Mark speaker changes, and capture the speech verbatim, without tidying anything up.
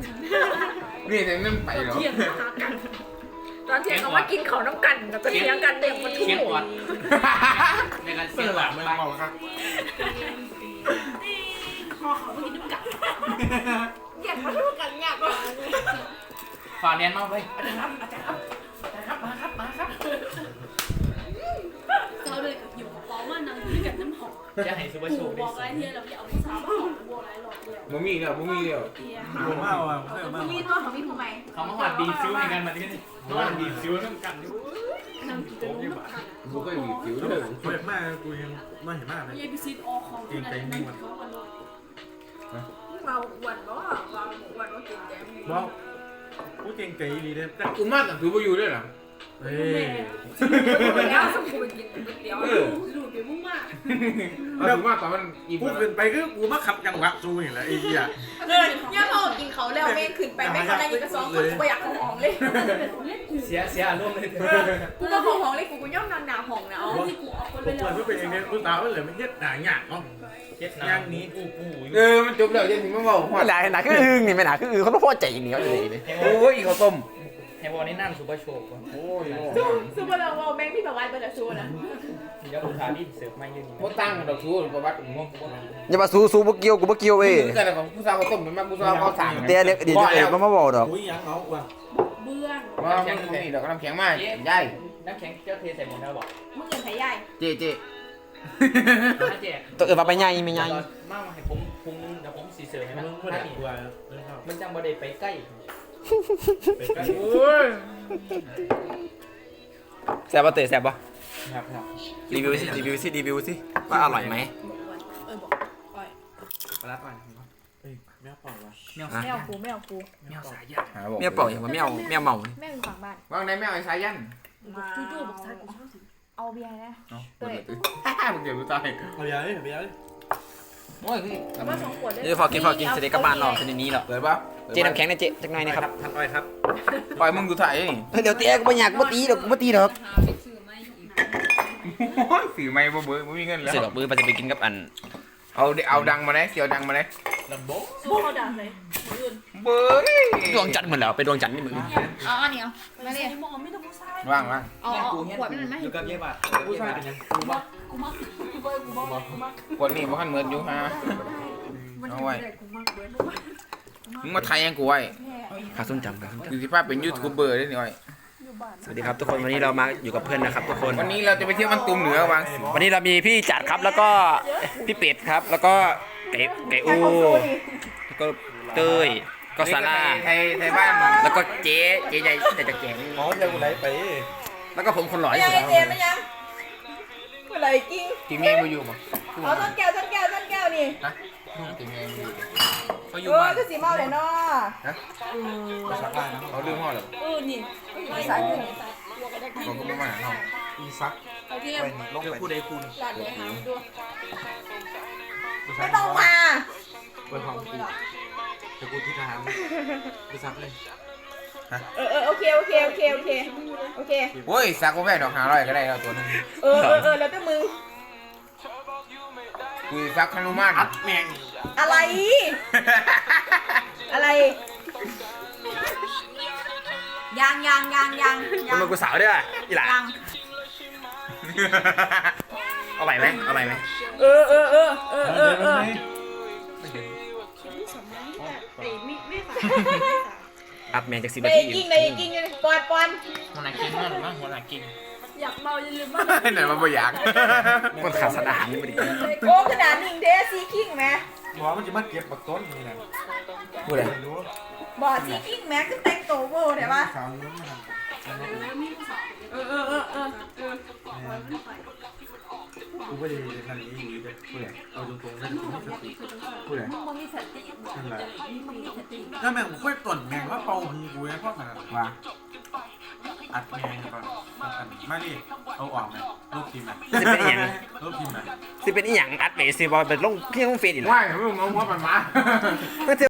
Speaker 1: นี่แต่นั่นไปเหรอ
Speaker 2: เที่ยงหากันตอนเที่ยงเขาว่ากินของน้ำกันแล้วก็เที่ยงกันเด็กมาทุ่
Speaker 3: เสียง
Speaker 2: ม
Speaker 3: ออดในการเสียงหวานไม่เมาครับ
Speaker 2: คอเขาไม่กินน้ำกันอยากมาทุ่มกันอยากมา
Speaker 3: ฝ่าเรียนมาเว้ยอาจารย์ครับอาจารย์ครับอาจารย์ครับมาครับมาครับ
Speaker 4: เราเลยอยู่กับป้อว่านางอยู่กับน้ำหอม
Speaker 3: จะให้ซูเปอร์โช
Speaker 4: ปู่
Speaker 3: ว์
Speaker 4: บ
Speaker 3: ได้
Speaker 4: อกอะไรเทียเราไปเอาผู้สาวมาหอมบัวไรหลอกเดียว
Speaker 1: บ่มีแล้วบ่มีแล้ว
Speaker 4: เทีย
Speaker 5: ผมเอาอ่ะผมเอามา
Speaker 2: มีตัวของพี่ทำไม
Speaker 3: เขามาหวัดดีซิวในกันมาที่นี่มาหวัดดีซิวน้ำกันอยู่
Speaker 4: นางกินแต่นมน้ำกัน
Speaker 1: กูก็มีผิวเลย
Speaker 5: เปิดมากกูยังไม่เห็นมากเลย
Speaker 4: ยายพิซิตออของที่นั่นนั่นเขาวันละ
Speaker 2: เราอ้วนบ่เราอ้วนว่ากินแกง
Speaker 5: บอกกูเก่งเก๋ดีเลยแต่
Speaker 1: กูมากกับถือบ่อยู่ด้วยเหรอ
Speaker 5: เฮ้ย
Speaker 2: แล้วสมควรกินก๋วยเตี๋ยว
Speaker 1: เออ
Speaker 4: หลุดไปมุ่งมาก
Speaker 1: เอาถือมากตอนมันอิ่ม
Speaker 5: กูเป็นไปก็กูมาขับจังหวะซูอย่างไรไอ้เหี้ย
Speaker 2: เออย่าพอกินเขาแล้วแม่ขึ้นไปแม่เขาได้ยินกระซองคนกูอยากของหอมเลย
Speaker 3: เสียเสียอารมณ์เลย
Speaker 2: กูก็ของหอมเลยกูกูย่อมนอนหนาห้องนะเอา
Speaker 4: ที่กูเอาคน
Speaker 5: ผ
Speaker 4: ไป
Speaker 5: ม
Speaker 4: แล้
Speaker 5: เปิด
Speaker 4: ว
Speaker 5: เพื่อเป็นเองเนี่ยกูสาวมันเหลือไม่เย็ดหนาหยาบเนาะ
Speaker 3: เจ็ด
Speaker 5: ย่าง
Speaker 3: น้ำ
Speaker 5: นี้
Speaker 3: กูกู
Speaker 1: เออมันจบแล้วจะถึงมาบอกว่า
Speaker 6: ไม่หนาหนาคืออึ้งนี่ไม่หนาคืออึ้งเขาต้องพอใจอย่างเดียวเลย
Speaker 1: โอ้ยข้าวต้ม
Speaker 3: ให้วอลนี่นั่งซูเปอร์โชว์ก่อน
Speaker 1: โอ้ย
Speaker 2: ซูซูเปอร์เราแม่งที่แบบว่าเป็นซูนะ
Speaker 3: เดี๋ยวลูกค้าที่เสิร์ฟไม่ยืน
Speaker 1: บ่ตั้งดอกชูประวัติงง
Speaker 6: อย่ามาสู้สู้บุกเกียวกูบุกเกียวเว้ย
Speaker 1: คือกันของผู้สาวข้าวต้มมันมาผู้สาวข้าวสาร
Speaker 6: เดี๋ยวเดี๋ยวเดี๋ยวเดี๋ยวมาบอกดอก
Speaker 5: อุ้ยยังเอาว่ะ
Speaker 4: เบื้อง
Speaker 1: ว่ามันมีดอกน้ำแข็งมากย่าย
Speaker 3: น้ำแข็งเจ้าเทใส่หมดแล้วบอก
Speaker 2: มึงเงินไผ่ใหญ่
Speaker 1: เจ๊เจ๊
Speaker 3: ถ้าแจก
Speaker 6: ตัวอื่นมาไปใหญ่ไม่ใหญ่
Speaker 3: มาให้ผมพุงเดี๋ยวผมสีเสิร์ฟให้มัน
Speaker 5: มึงไม่
Speaker 3: ถ้า
Speaker 5: ได้
Speaker 3: นี่
Speaker 5: กลัวเลยครับ
Speaker 3: มันจังบ่ได้ไปใกล้
Speaker 5: เป็นกัน
Speaker 1: โอ้ย
Speaker 6: แซ่บปะเตะแซ่บปะ
Speaker 3: ครับครับ
Speaker 6: รีวิวสิรีวิวสิรีวิวสิว่าอร่อยไหม
Speaker 4: เออบอกอ่อย
Speaker 3: ปลาปลา
Speaker 5: เฮ้ยแม่เปล่าวะ
Speaker 3: เมี่ยว
Speaker 2: แมวกูแมวกู
Speaker 3: เมี่ยวสายยา
Speaker 6: เมียเป่าอย่างว่าเมียวเมียเมา
Speaker 2: แมวอยู่ฝั่งบ้าน
Speaker 1: ว่างในแม่ไอ้สายัน
Speaker 4: จู่ๆบอกซากูชอบสิ
Speaker 2: เอาเบียร์นะ
Speaker 1: เนาะเปิดเลยมึงเดี๋ยวรู้ใจ
Speaker 5: เอายาเลยเอายาเลย
Speaker 1: โอ้ยพี่
Speaker 2: ว่าสองขวดเลย
Speaker 6: เดี๋ยวพอกินพอกินเสร็จกลับบ้านหรอกเสร็จนี้หรอก
Speaker 1: เปิดปะ
Speaker 6: เจ๊น้ำแข็งนะเจ๊จักหน่อยนะครับ
Speaker 5: ท่านอ้อยครับ
Speaker 1: ปล่อยมึงดูถ่ายนี่
Speaker 6: เดี๋ยวเตะกูไม่อยากกูตีดอกกูไม่ตีดอก
Speaker 4: สื่อไม่อีก
Speaker 1: โอ้ยสีไม่บ่เบื่อบ่มีเงินแล้ว
Speaker 6: เสร็จดอกมือไปจะไปกินกับอัน
Speaker 1: เอาเอาดังมาได้เสียวดังมาได้
Speaker 5: ลำโบ้
Speaker 4: สู้เขาด่าเลยอื่น
Speaker 1: เบื่อ
Speaker 6: ดวงจันทร์เหมือนแล้วไปดวงจันทร์นี่มึง
Speaker 2: เอาอันนี้เอา
Speaker 4: ไม่ได้มองไม่ต้องผู้ชาย
Speaker 1: ว่างว่าง
Speaker 2: เอาขวดมันไหม
Speaker 3: อยู่กับเยี่ยบาท
Speaker 5: ผู้ชายเป็นยัง
Speaker 4: กูมักกูมักกูเบย์กูมักกูมัก
Speaker 1: คนนี้บ่คันเหมือนอยู่ฮะเอาไว้มึงมาไทยยังกูไว้
Speaker 6: ขาส้มจำขาส้มจ
Speaker 1: คือสิภาพเป็นยูทูบเบอร์ได้หน่อย
Speaker 6: ำสวัสดีครับทุกคนวันนี้เรามาอยู่กับเพื่อนนะครับทุกคน
Speaker 1: วันนี้เราจะไปเที่ยวมันตุมเหนือวางสิ
Speaker 6: วันนี้เรามีพี่จัดครับแล้วก็พี่เป็ดครับ แล้วก็ไก่ไก่อูแล้วก็เต้ยก็ซาร่า
Speaker 1: ไทยไทยบ้าน
Speaker 6: แล้วก็เจ๊เจ๊ใหญ่แต่จะแก่ง
Speaker 5: หมอจะกูไหลไป
Speaker 6: แล้วก็ผมคนหล่อที่
Speaker 2: ยัง
Speaker 6: สุด
Speaker 2: ไงเจมไม่ยังกูเลยกิ้ง
Speaker 1: ทีมเองมาอยู่บ่
Speaker 2: เอาต้นแก้วต้นแก้วต้นแก้วนี่
Speaker 1: นะทีมเองมาอยู่
Speaker 3: เขาอ
Speaker 2: เอยู่ อ
Speaker 3: บ้าน
Speaker 2: ก็สีเมาเลยเนาะ
Speaker 5: ภาษาใต้นะ
Speaker 1: เขาลืมห้อเหรอ
Speaker 4: เออนี่
Speaker 2: สายอยู่
Speaker 1: เขาก็ไม่มาห้อง
Speaker 5: อีซัก
Speaker 4: เขาเทียม
Speaker 5: ลงไปผู้ใดคุณ
Speaker 4: หลานเลยหาดู
Speaker 2: ไม่ต้องมา
Speaker 5: เปิดห้องกูจะกูที่ทหารกูซักเลย
Speaker 2: เออเออโอเคโอเคโอเคโอเคโอเค
Speaker 1: โอ้ยสักก็แม่ดอกหาร้อยก็ได้แล้วตัวนึง
Speaker 2: เออเออเออแล้วแต่มึง
Speaker 1: กูสักขนุมาน
Speaker 5: อัดแมง
Speaker 2: อะไร อะไรยังยังยังยัง
Speaker 6: คน
Speaker 2: ยัง
Speaker 6: มากูสาวด้วยอีหล่ะ
Speaker 2: ยัง
Speaker 6: เอาใหม่ไหมเอาใหม่ไหม
Speaker 2: เออเออเออเออเออเออ
Speaker 6: อัพแมนจากสิบ
Speaker 2: เล
Speaker 6: นาย ที
Speaker 2: กิ้งเลยกิ้งเลยปอนปอน
Speaker 3: หัวหน้ากิ้งนั่นหรือมั้งหัวหน้ากิ้ง
Speaker 4: อยากเมาอย่าลืมมา
Speaker 1: ไหนมาบ่อยาก
Speaker 6: มันขาดสารอาหารนี่พอดี
Speaker 2: โก้ขนาดนิ่งเดซีกิ้งไหม
Speaker 5: หมอมันจะมาเก็บปักต้นนี่นะ
Speaker 6: พูดอะไร
Speaker 5: ไม่รู้
Speaker 2: บอดซีกิ้งแม็กก็แต่งตัวโบเดี๋ยวว่า
Speaker 5: สาวนู้นมาท
Speaker 4: มีผู้สาว
Speaker 2: เออเออเออเออเออ
Speaker 5: ำกูไม่ได้ทันนี้อยู่เลยผู้ใดเอาตรงๆนั่นกูไม่สติผู้ใด
Speaker 4: มึงมีสติ
Speaker 5: นั่นแหละ
Speaker 4: มึงมีสติ
Speaker 5: ถ้าแม่งกูค่อยต่นแม่งว่าเป่าหูกูนะเพราะขนาดว่าอัดแมงก่อนมาดิเอาออกไหมลูกทีมไหม
Speaker 6: สิเป็นอีหยัง
Speaker 5: ลูกทีมไหม
Speaker 6: สิเป็นอีหยังอัดเบสสิบอลเป็นลงเพียงลงเฟซอีกแล้ว
Speaker 1: ว่ายมึงเอาหัวมันมา
Speaker 6: ก็จะ